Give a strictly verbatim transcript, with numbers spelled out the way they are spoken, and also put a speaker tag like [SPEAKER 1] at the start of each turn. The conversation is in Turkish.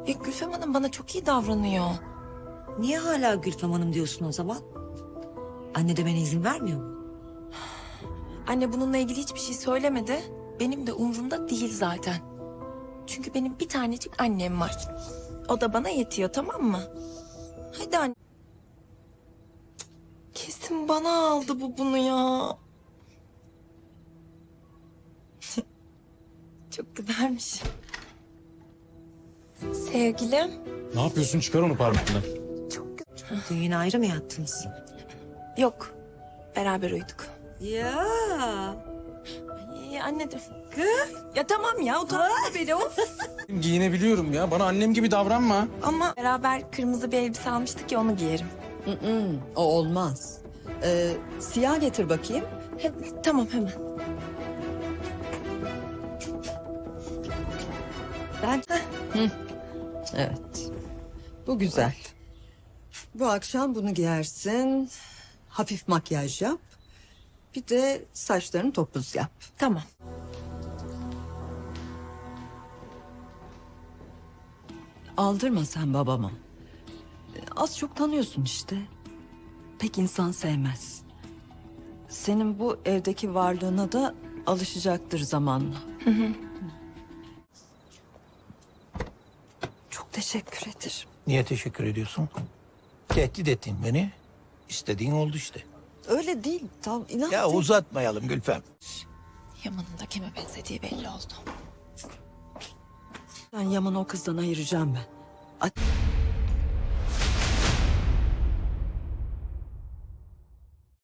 [SPEAKER 1] Ya Gülfem Hanım bana çok iyi davranıyor.
[SPEAKER 2] Niye hala Gülfem Hanım diyorsun o zaman? Anne demene izin vermiyor mu?
[SPEAKER 1] Anne bununla ilgili hiçbir şey söylemedi. Benim de umurumda değil zaten. Çünkü benim bir tanecik annem var. O da bana yetiyor, tamam mı? Hadi anne. Kesin bana aldı bu bunu ya. Çok güzelmiş. Sevgilim.
[SPEAKER 3] Ne yapıyorsun? Çıkar onu parmağından.
[SPEAKER 1] Çok güzel.
[SPEAKER 2] Dün yine ayrı mı yattınız?
[SPEAKER 1] Yok. Beraber uyuduk.
[SPEAKER 2] Ya.
[SPEAKER 1] Ay, anne dur. Kız. Ya tamam ya utanma beni of.
[SPEAKER 3] Giyinebiliyorum ya. Bana annem gibi davranma.
[SPEAKER 1] Ama beraber kırmızı bir elbise almıştık ya onu giyerim.
[SPEAKER 4] Mm-mm, o olmaz. Ee, siyah getir bakayım.
[SPEAKER 1] He, tamam hemen.
[SPEAKER 4] Ben... Evet. Bu güzel. Bu akşam bunu giyersin. Hafif makyaj yap. Bir de saçlarını topuz yap.
[SPEAKER 1] Tamam.
[SPEAKER 4] Aldırma sen babama. Az çok tanıyorsun işte. Pek insan sevmez. Senin bu evdeki varlığına da alışacaktır zamanla. Çok teşekkür ederim.
[SPEAKER 5] Niye teşekkür ediyorsun? Tehdit ettin beni. İstediğin oldu işte.
[SPEAKER 4] Öyle değil. Tam inan.
[SPEAKER 5] Ya uzatmayalım Gülfem.
[SPEAKER 1] Yaman'ın da kime benzediği belli oldu.
[SPEAKER 4] Ben Yaman'ı o kızdan ayıracağım ben. A-